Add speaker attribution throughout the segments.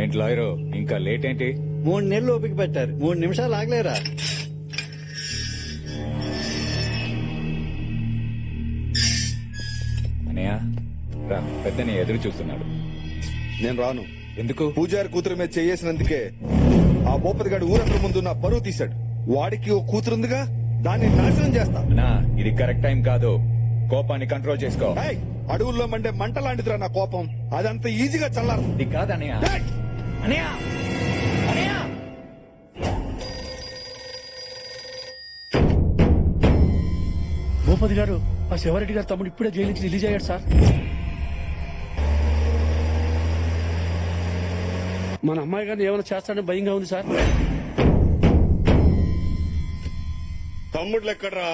Speaker 1: ఏంటి లాయరు ఇంకా లేట్ ఏంటి?
Speaker 2: 3 నెలలు ఓపిక పెట్టారు, 3 నిమిషాలు ఆగలేరా?
Speaker 1: అనయ్య రా, పెద్దని ఎదురు చూస్తున్నాడు.
Speaker 3: నేను రాను.
Speaker 1: ఎందుకు?
Speaker 3: పూజారి కూతురు మీద చేసినందుకే ఆ భూపతి గారు ఊరందరి ముందు నా పరువు తీశాడు. వాడికి ఓ కూతురుందిగా, దాన్ని నాశనం చేస్తా.
Speaker 1: నా ఇది కరెక్ట్ టైం కాదు, కోపాన్ని కంట్రోల్ చేసుకో.
Speaker 3: ఏయ్, అడవుల్లో మండే మంట లాంటిదిరా నా కోపం. అదంత ఈజీగా చల్లారు.
Speaker 1: ఇది కాదనయ్య. అనయ్య అనయ్య
Speaker 4: భూపతి గారు, ఆ శివారెడ్డి గారు తమ్ముడు ఇప్పుడే జైలు నుంచి రిలీజ్ అయ్యాడు సార్. మన అమ్మాయి గారిని ఏమైనా చేస్తాడని భయంగా ఉంది సార్.
Speaker 5: తమ్ముళ్ళు ఎక్కడ్రా?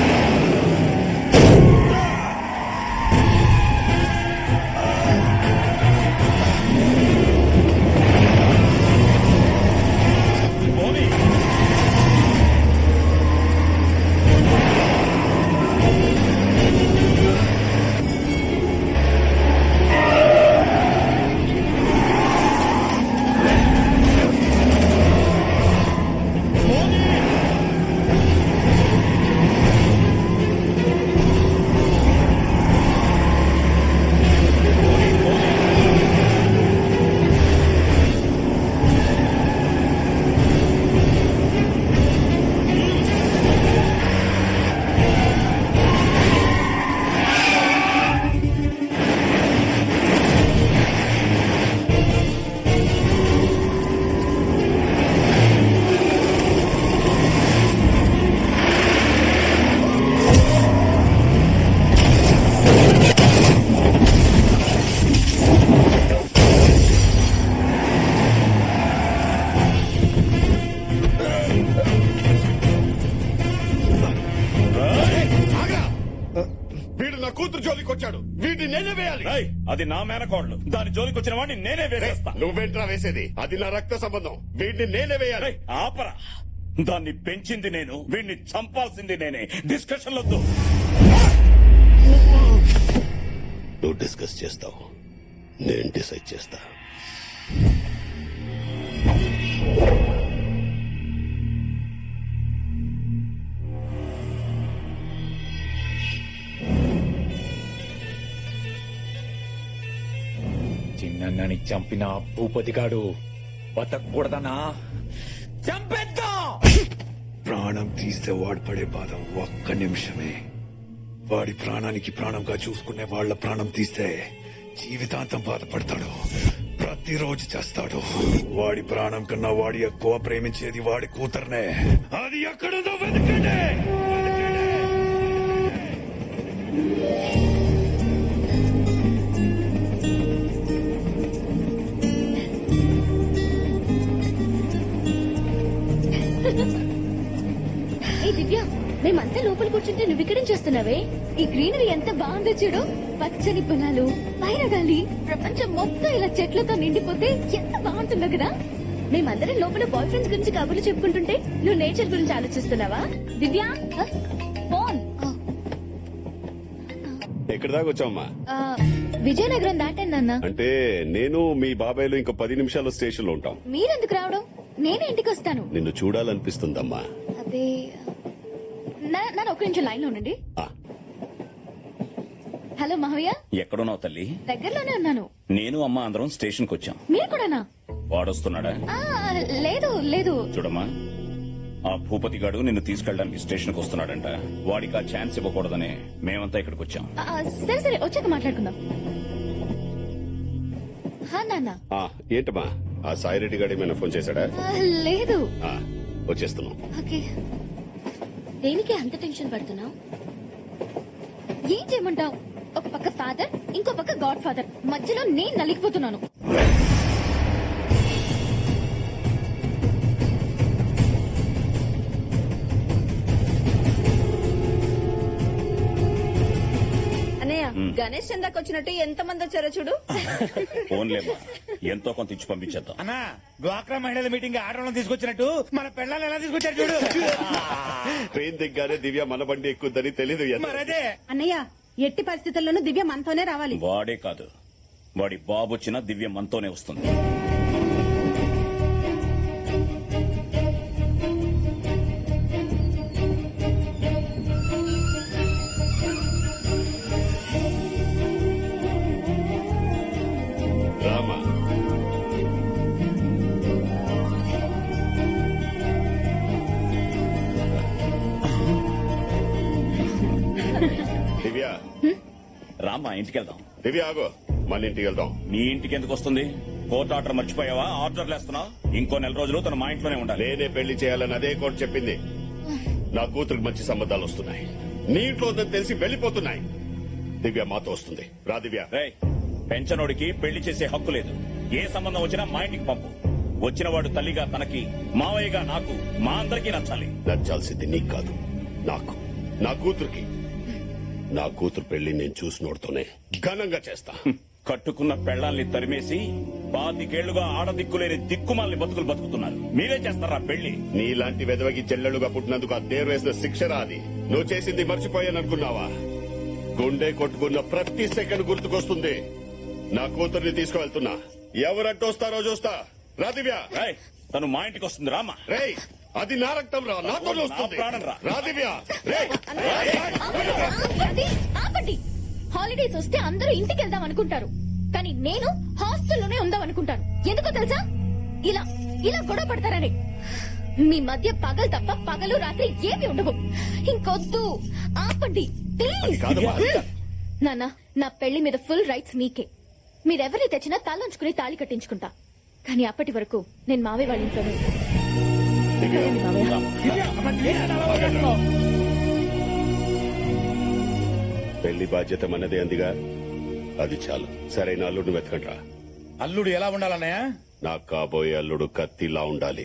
Speaker 5: వీడు నా కూతురు జోలికి వచ్చాడు, వీడిని నేనే వేయాలి.
Speaker 6: అది నా మేనకోడలు, దాని జోలికి వచ్చిన వాడిని నేనే వేసేస్తా.
Speaker 5: నువ్వేంట్రా వేసేది? అది నా రక్త సంబంధం, వీడిని నేనే వేయాలి.
Speaker 6: ఆపరా, దాన్ని పెంచింది నేను, వీడిని చంపాల్సింది నేనే. డిస్కషన్ వద్దు.
Speaker 5: నువ్వు డిస్కస్ చేస్తావు, నేను డిసైడ్ చేస్తా.
Speaker 1: చిన్నని చంపిన భూపతిగాడు బతకూడదనా? చంపేద్దాం.
Speaker 7: ప్రాణం తీస్తే వాడు పడే బాధ ఒక్క నిమిషమే. వాడి ప్రాణానికి ప్రాణంగా చూసుకునే వాళ్ళ ప్రాణం తీస్తే జీవితాంతం బాధపడతాడు, ప్రతిరోజు చేస్తాడు. వాడి ప్రాణం కన్నా వాడి ఎక్కువ ప్రేమించేది వాడి కూతుర్నే. అది ఎక్కడుందో వెతకండి.
Speaker 8: ఏ దివ్య, మేమంతా లోపల కూర్చుంటే నువ్వు ఇక్కడేం చేస్తున్నావే? ఈ గ్రీనరీ ఎంత బాగుందో చూడు, పచ్చని పొలాలు, పైన గాలి, ప్రపంచం మొత్తం ఇలా చెట్లతో నిండిపోతే ఎంత బాగుంటుందో కదా. మేమందరం లోపల బాయ్ ఫ్రెండ్స్ గురించి కబుర్లు చెప్పుకుంటుంటే నువ్వు నేచర్ గురించి ఆలోచిస్తున్నావా? దివ్య ఫోన్.
Speaker 5: ఎక్కడి దాకా వచ్చావమ్మా?
Speaker 8: విజయనగరం దాటాను నాన్న.
Speaker 5: అంటే నేను మీ బాబాయ్లు ఇంకో 10 నిమిషాల్లో స్టేషన్ లో ఉంటాం.
Speaker 8: మీరెందుకు రావడం? నేనే ఇంటికి వస్తాను.
Speaker 5: నిన్ను చూడాలనిపిస్తుందమ్మా.
Speaker 8: అదే నన్ను ఒక నిమిషం లైన్ లో ఉండండి. హలో మావయ్య.
Speaker 6: ఎక్కడున్నావు తల్లి?
Speaker 8: దగ్గరలోనే ఉన్నాను.
Speaker 6: నేను అమ్మ అందరం స్టేషన్ కు వచ్చాం.
Speaker 8: మీరు కూడానా?
Speaker 6: వాడొస్తున్నాడా?
Speaker 8: లేదు లేదు.
Speaker 6: చూడమ్మా, ఆ భూపతి గాడు నిన్ను తీసుకెళ్ళడానికి స్టేషన్ కు వస్తున్నాడంట. వాడికి ఆ ఛాన్స్ ఇవ్వకూడదనే మేమంతా ఇక్కడికి వచ్చాం.
Speaker 8: సరే సరే, వచ్చాక మాట్లాడుకుందాం. నాన్న.
Speaker 5: ఏంటమ్మా, ఆ సాయిరెడ్డి గారు ఏమైనా ఫోన్ చేశాడా?
Speaker 8: లేదు.
Speaker 5: వచ్చేస్తున్నాం.
Speaker 8: ఓకే. దేనికి అంత టెన్షన్ పడుతున్నావు? ఏం చేయమంటావు? ఒక పక్క ఫాదర్, ఇంకో పక్క గాడ్ ఫాదర్, మధ్యలో నేను నలిగిపోతున్నాను.
Speaker 9: గణేష్ చందాకి వచ్చినట్టు ఎంత మంది వచ్చారో చూడు.
Speaker 6: ఫోన్లేమ్మా, ఎంతో కొంత ఇచ్చి పంపించేద్దాం.
Speaker 10: అన్నా, డ్వాక్రా మహిళల మీటింగ్ ఆడవాళ్ళని తీసుకొచ్చినట్టు మన పిల్లల్ని ఎలా తీసుకొచ్చారు చూడు.
Speaker 5: ట్రైన్ దిగ్గానే దివ్య మన బండి ఎక్కుద్దని తెలీదు.
Speaker 9: మరదే అన్నయ్య, ఎట్టి పరిస్థితుల్లోనూ దివ్య మనతోనే రావాలి.
Speaker 6: వాడే కాదు, వాడి బాబు వచ్చినా దివ్య మనతోనే వస్తుంది.
Speaker 5: దివ్య
Speaker 6: రామ్మా ఇంటికి వెళ్దాం.
Speaker 5: దివ్య ఆగో, మన ఇంటికి వెళ్దాం.
Speaker 6: మీ ఇంటికి ఎందుకు వస్తుంది? కోర్టు ఆర్డర్ మర్చిపోయావా? ఆర్డర్లు వేస్తున్నావు. ఇంకో నెల రోజులు తన మా ఇంట్లోనే ఉండాలి.
Speaker 5: నేనే పెళ్లి చేయాలని అదే కోర్టు చెప్పింది. నా కూతురికి మంచి సంబంధాలు వస్తున్నాయి. నీ ఇంట్లో ఉందని తెలిసి వెళ్లిపోతున్నాయి. దివ్య మాతో వస్తుంది. రా దివ్య.
Speaker 6: రేయ్, పెంచనోడికి పెళ్లి చేసే హక్కు లేదు. ఏ సంబంధం వచ్చినా మా ఇంటికి పంపు. వచ్చిన వాడు తల్లిగా తనకి, మావయ్యగా నాకు, మా అందరికీ నచ్చాలి.
Speaker 5: నచ్చాల్సింది నీకు కాదు, నాకు. నా కూతురికి. నా కూతురు పెళ్లి నేను చూసినోడుతోనే ఘనంగా చేస్తా.
Speaker 6: కట్టుకున్న పెళ్లాల్ని తరిమేసి 25 ఆడదిక్కులేని దిక్కుమాలని బతుకులు బతుకుతున్నారు. మీరే చేస్తారా పెళ్లి?
Speaker 5: నీలాంటి వెదవకి చెల్లెలుగా పుట్టినందుకు ఆ దేరు వేసిన శిక్షరా అది. నువ్వు చేసింది మర్చిపోయాననుకున్నావా? గుండె కొట్టుకున్న ప్రతి సెకండ్ గుర్తుకొస్తుంది. నా కూతుర్ని తీసుకువెళ్తున్నా. ఎవరట్టొస్తారో చూస్తా. రా దివ్య.
Speaker 6: రేయ్, తను మా ఇంటికి వస్తుంది. రామా.
Speaker 5: రేయ్, అది నా రక్తం రా, నాతో వస్తుంది.
Speaker 6: నా ప్రాణం రా.
Speaker 5: రా దివ్య. రేయ్.
Speaker 8: ఆపండి, ఆపండి. హాలిడేస్ వస్తే అందరూ ఇంటికి వెళ్దాం అనుకుంటారు, కానీ నేను హాస్టల్లోనే ఉందాం అనుకుంటాను. ఎందుకో తెలుసా? ఇలా ఇలా గొడవ పడతారని. మీ మధ్య పగలు తప్ప పగలు రాత్రి ఏమి ఉండవు. ఇంకొద్దు, ఆపండి ప్లీజ్.
Speaker 5: కాదమ్మా.
Speaker 8: నాన్న, నా పెళ్లి మీద ఫుల్ రైట్స్ మీకే. మీరెవరిని తెచ్చినా తలంచుకుని తాళి కట్టించుకుంటా. కానీ అప్పటి వరకు నేను మావయ్య వాళ్ళ ఇంట్లోనే ఉంటాను. వెళ్ళండి మావయ్య.
Speaker 5: పెళ్లి బాధ్యత మనదే అందిగా, అది చాలు. సరైన అల్లుడిని వెతకండ్రా.
Speaker 10: అల్లుడు ఎలా ఉండాలన్నయ్య?
Speaker 5: నాకు కాబోయే అల్లుడు కత్తిలా ఉండాలి.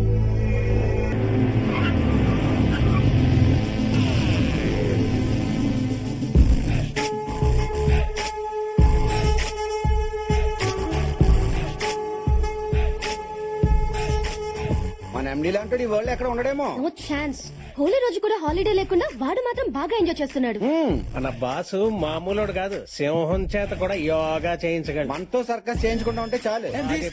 Speaker 2: మన ఎండీ లాంటి ఈ వరల్డ్ ఎక్కడ ఉండడేమో.
Speaker 8: No chance. హోలీ రోజు కూడా హాలిడే లేకుండా వాడు మాత్రం బాగా ఎంజాయ్ చేస్తున్నాడు.
Speaker 11: మన బాసు మామూలుడు కాదు, సింహం చేత కూడా యోగా చేయించగలడు.
Speaker 2: మనతో సర్కస్ చేయించుకుంటా ఉంటే చాలు.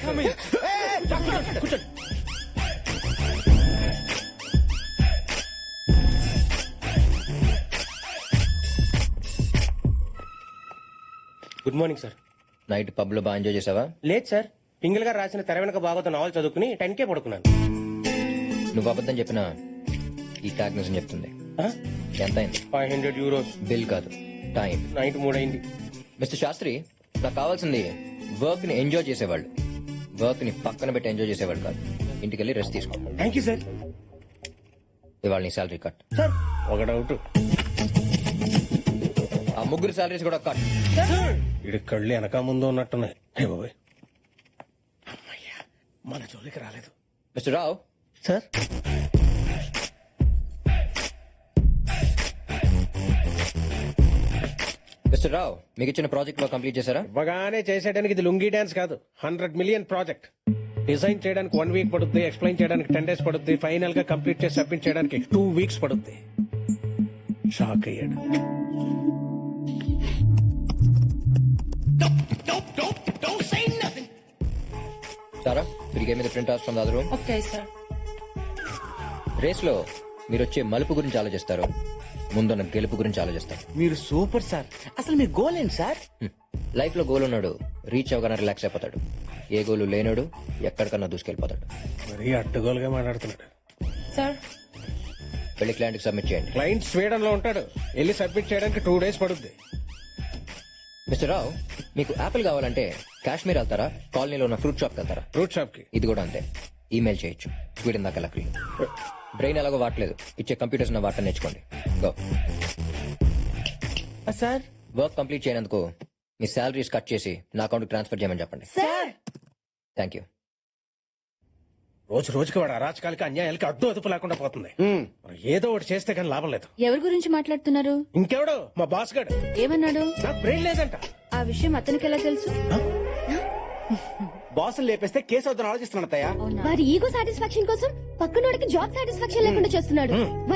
Speaker 11: Good morning sir.
Speaker 12: Night pub లో బాగా ఎంజాయ్ చేసావా?
Speaker 11: లేదు సార్, పింగిల్ గారు రాసిన తెర వెనక బాగోత నావల్ చదువుకుని 10K పడుకున్నాను.
Speaker 12: నువ్వు అబద్ధం చెప్పినా ఈ ట్యాగ్ నిజం చెప్తుంది. ఎంత అయింది?
Speaker 11: 500 euros.
Speaker 12: బిల్ కాదు, టైం.
Speaker 11: నైట్ 3 అయింది.
Speaker 12: మిస్టర్ శాస్త్రి, నాకు కావాల్సింది వర్క్ ని ఎంజాయ్ చేసేవాళ్ళు, వర్క్ ని పక్కన పెట్టి ఎంజాయ్ చేసేవాళ్ళు కాదు. ఇంటికి వెళ్ళి రెస్ట్ తీసుకో.
Speaker 11: Thank you sir.
Speaker 12: ఇవాళ నీ శాలరీ కట్.
Speaker 11: సార్ ఒక డౌట్,
Speaker 12: ఆ ముగ్గురు శాలరీస్ కూడా కట్.
Speaker 11: ఇడి కళ్ళు వెనక ముందు ఉన్నట్టున్నాయి. హే బాబాయ్, అమ్మయ్యా మన జోలికి రాలేదు.
Speaker 12: Mister Rao.
Speaker 11: Sir
Speaker 12: mister Rao, మీకు ఇచ్చిన ప్రాజెక్ట్ లో కంప్లీట్ చేశారా?
Speaker 11: ఇవ్వగానే చేసేయడానికి ఇది లుంగీ డాన్స్ కాదు, 100 million ప్రాజెక్ట్. డిజైన్ చేయడానికి 1 week పడుద్ది, ఎక్స్ప్లెయిన్ చేయడానికి 10 days పడుద్ది, ఫైనల్ గా కంప్లీట్ చేసి సబ్మిట్ చేయడానికి 2 weeks పడుద్ది. షాక్ అయ్యాడు.
Speaker 12: సారా, మీరు గేమ్ మీద print out from the other room.
Speaker 9: Okay sir.
Speaker 12: Race లో మీరు వచ్చే మలుపు గురించి ఆలోచిస్తారు, ముందున్న గెలుపు గురించి ఆలోచిస్తారు.
Speaker 2: మీరు సూపర్ సార్. అసలు మీ గోల్ ఏంటి సార్?
Speaker 12: లైఫ్ లో గోల్ ఉన్నాడు రీచ్ అవగానే రిలాక్స్ అయిపోతాడు. ఏ గోలు లేనాడు ఎక్కడికన్నా దూసుకెళ్ళిపోతాడు.
Speaker 11: మరీ అడ్డగోలుగా మాట్లాడుతున్నాడు.
Speaker 9: సార్
Speaker 12: వెళ్ళి క్లయింట్ కి సబ్మిట్ చేయండి.
Speaker 11: క్లయింట్ స్వీడన్ లో ఉంటాడు, వెళ్ళి సబ్మిట్ చేయడానికి 2 days పడుద్ది.
Speaker 12: మిస్టర్ రావు, మీకు యాపిల్ కావాలంటే కాశ్మీర్ వెళ్తారా, కాలనీలో ఉన్న ఫ్రూట్ షాప్ వెళ్తారా?
Speaker 11: ఫ్రూట్ షాప్ కి.
Speaker 12: ఇది కూడా అంతే, ఈమెయిల్ చేయొచ్చు. స్వీడన్ దాకా లక్లీ. బ్రెయిన్ ఎలాగో వాడలేదు, ఇచ్చే కంప్యూటర్స్ ఉన్న వాటర్ నేర్చుకోండి. గో.
Speaker 9: సార్
Speaker 12: వర్క్ కంప్లీట్ చేయనందుకు మీ శాలరీస్ కట్ చేసి నా అకౌంట్ ట్రాన్స్ఫర్ చేయమని చెప్పండి.
Speaker 9: Sir
Speaker 12: thank you.
Speaker 11: రోజు రోజుకి వాడు అరాచకాలకి అన్యాయాలకి అడ్డు అదుపు లేకుండా పోతుంది. మనం ఏదో ఒకటి చేస్తే కానీ లాభం లేదు.
Speaker 8: ఎవరి గురించి మాట్లాడుతున్నారు?
Speaker 11: ఇంకెవడు? మా బాస్ గడు.
Speaker 8: ఏమన్నాడు?
Speaker 11: నాకు బ్రెయిన్ లేదంట.
Speaker 8: ఆ విషయం అతనికి ఎలా తెలుసు?
Speaker 2: బాసులు లేపేస్తే కేసు అవుతాను ఆలోచిస్తున్నాను.
Speaker 8: వారి ఈగో సాటిస్ఫాక్షన్ కోసం పక్కనోడికి జాబ్ సాటిస్ఫాక్షన్ లేకుండా చేస్తున్నాడు.